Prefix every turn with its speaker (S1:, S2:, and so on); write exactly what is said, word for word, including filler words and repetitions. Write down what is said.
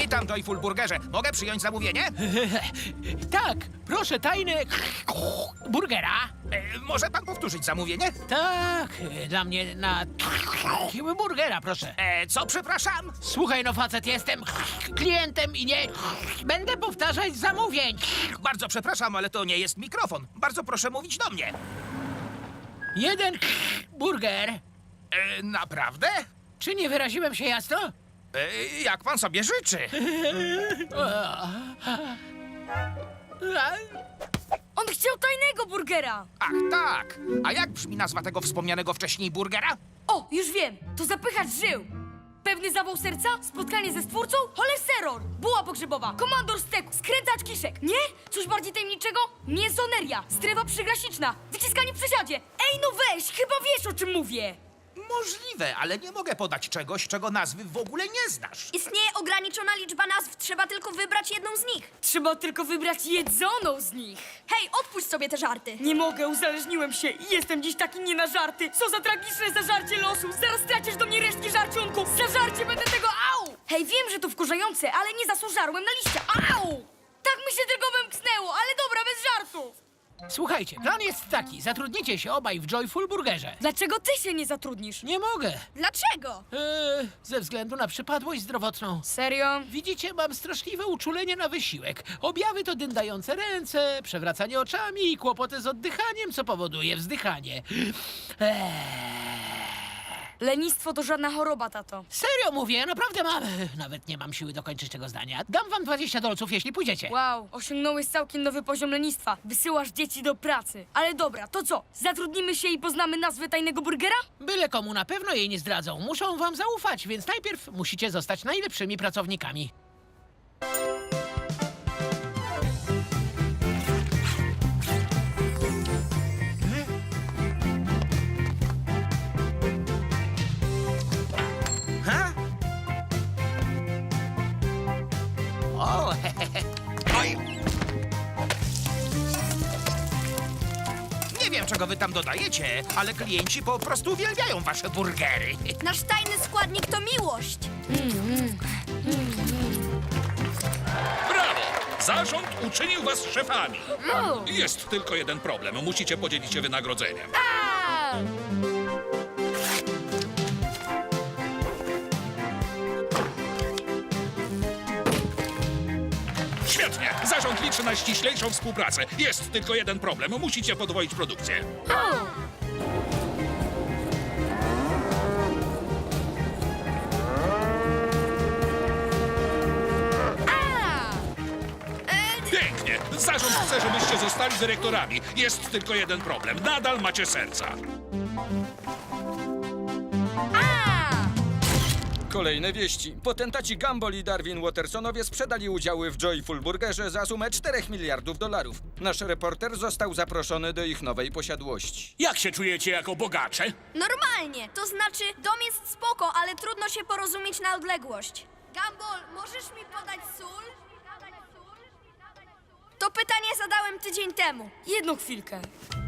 S1: Witam, Joyful Burgerze. Mogę przyjąć zamówienie?
S2: Tak, proszę tajne burgera.
S1: E, może pan powtórzyć zamówienie?
S2: Tak, dla mnie na burgera, proszę.
S1: E, co, przepraszam?
S2: Słuchaj, no facet, jestem klientem i nie będę powtarzać zamówień.
S1: Bardzo przepraszam, ale to nie jest mikrofon. Bardzo proszę mówić do mnie.
S2: Jeden burger.
S1: E, naprawdę?
S2: Czy nie wyraziłem się jasno?
S1: E, jak pan sobie życzy?
S3: On chciał tajnego burgera!
S1: Ach, tak. A jak brzmi nazwa tego wspomnianego wcześniej burgera?
S3: O, już wiem! To zapychacz żył! Pewny zawał serca? Spotkanie ze stwórcą? Cholesterol! Buła pogrzebowa! Komandor steku! Skręcacz kiszek! Nie? Coś bardziej tajemniczego? Mięsoneria! Strefa przygraniczna! Wyciskanie w przesiadzie! Ej, no weź! Chyba wiesz, o czym mówię!
S1: Możliwe, ale nie mogę podać czegoś, czego nazwy w ogóle nie znasz.
S4: Istnieje ograniczona liczba nazw, trzeba tylko wybrać jedną z nich.
S3: Trzeba tylko wybrać jedzoną z nich!
S4: Hej, odpuść sobie te żarty.
S3: Nie mogę, uzależniłem się i jestem dziś taki nie na żarty! Co za tragiczne zażarcie losu! Zaraz stracisz do mnie resztki żarciunku! Zażarcie będę tego, au! Hej, wiem, że to wkurzające, ale nie zasłużarłem na liścia, au! Tak mi się tylko wymknęło, ale dobra, bez żartów!
S2: Słuchajcie, plan jest taki. Zatrudnicie się obaj w Joyful Burgerze.
S3: Dlaczego ty się nie zatrudnisz?
S2: Nie mogę.
S4: Dlaczego?
S2: Eee, ze względu na przypadłość zdrowotną.
S3: Serio?
S2: Widzicie, mam straszliwe uczulenie na wysiłek. Objawy to dyndające ręce, przewracanie oczami i kłopoty z oddychaniem, co powoduje wzdychanie. Eee.
S3: Lenistwo to żadna choroba, tato.
S2: Serio mówię, naprawdę mam. Nawet nie mam siły dokończyć tego zdania. Dam wam dwadzieścia dolców, jeśli pójdziecie.
S3: Wow, osiągnąłeś całkiem nowy poziom lenistwa. Wysyłasz dzieci do pracy. Ale dobra, to co? Zatrudnimy się i poznamy nazwę tajnego burgera?
S2: Byle komu na pewno jej nie zdradzą. Muszą wam zaufać, więc najpierw musicie zostać najlepszymi pracownikami.
S1: Ha? O, oj. Nie wiem, czego wy tam dodajecie, ale klienci po prostu uwielbiają wasze burgery.
S4: Nasz tajny składnik to miłość.
S5: Brawo! Zarząd uczynił was szefami. Jest tylko jeden problem. Musicie podzielić się wynagrodzeniem. Świetnie! Zarząd liczy na ściślejszą współpracę. Jest tylko jeden problem. Musicie podwoić produkcję. Pięknie! Zarząd chce, żebyście zostali dyrektorami. Jest tylko jeden problem. Nadal macie serca.
S6: Kolejne wieści. Potentaci Gumball i Darwin Wattersonowie sprzedali udziały w Joyful Burgerze za sumę czterech miliardów dolarów. Nasz reporter został zaproszony do ich nowej posiadłości.
S5: Jak się czujecie jako bogacze?
S4: Normalnie, to znaczy dom jest spoko, ale trudno się porozumieć na odległość. Gumball, możesz mi podać sól? To pytanie zadałem tydzień temu.
S3: Jedną chwilkę.